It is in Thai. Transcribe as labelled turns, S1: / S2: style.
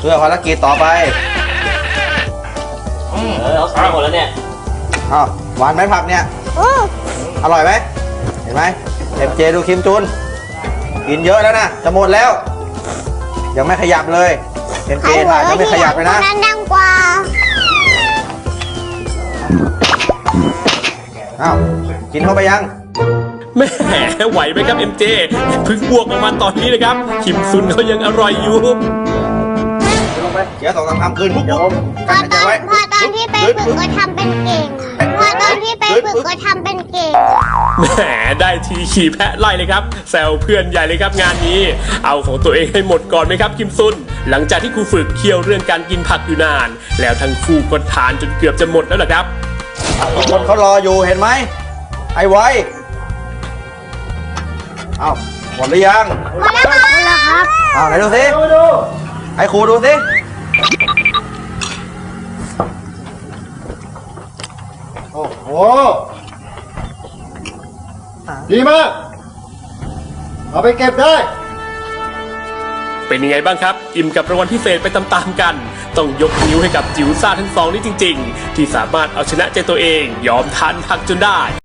S1: พื่อภารกิจต่อไป
S2: เอาใส่หมดแล้วเนี่ย
S1: อ้าวหวานไหมผักเนี่ยอร่อยไหมเห็นไหมเจดูคิมจุนกินเยอะแล้วนะจะหมดแล้วยังไม่ขยับเลยเจถ่ายยังไม่ขยับเลยนะ
S3: นั่นดังกว่า
S1: อ้าวกินเข้าไปยัง
S4: แหมไหวไหมครับ MJ เพิ่งบวกออกมาตอนนี้เลยครับคิมซุนเขายังอร่อยอยู่
S1: ลงไปเดี๋ยว2-3 คำคืนปุ๊บ
S3: พอตอนที่ไปฝึกก็ทำเป็นเก่งพอตอนที่ไปฝึกก็ทำเป็นเก่ง
S4: แหมได้ทีขี่แพะไล่เลยครับแซวเพื่อนใหญ่เลยครับงานนี้เอาของตัวเองให้หมดก่อนไหมครับคิมซุนหลังจากที่ครูฝึกเคี่ยวเรื่องการกินผักอยู่นานแล้วทั้งคู่ก็ทานจนเกือบจะหมดแล้วล่ะครับ
S1: คนเขารออยู่เห็นไหมไอ้ไว้เอาหมดหรือยัง
S3: หมดแล้วครับ
S1: เอาไหนดูสิให้ครูดูสิ
S5: โอ้โหดีมากเอาไปเก็บได้
S4: เป็นยังไงบ้างครับอิ่มกับรางวัลพิเศษไปตามๆกันต้องยกนิ้วให้กับจิ๋วซ่าทั้งสองนี้จริงๆที่สามารถเอาชนะใจตัวเองยอมทานผักจนได้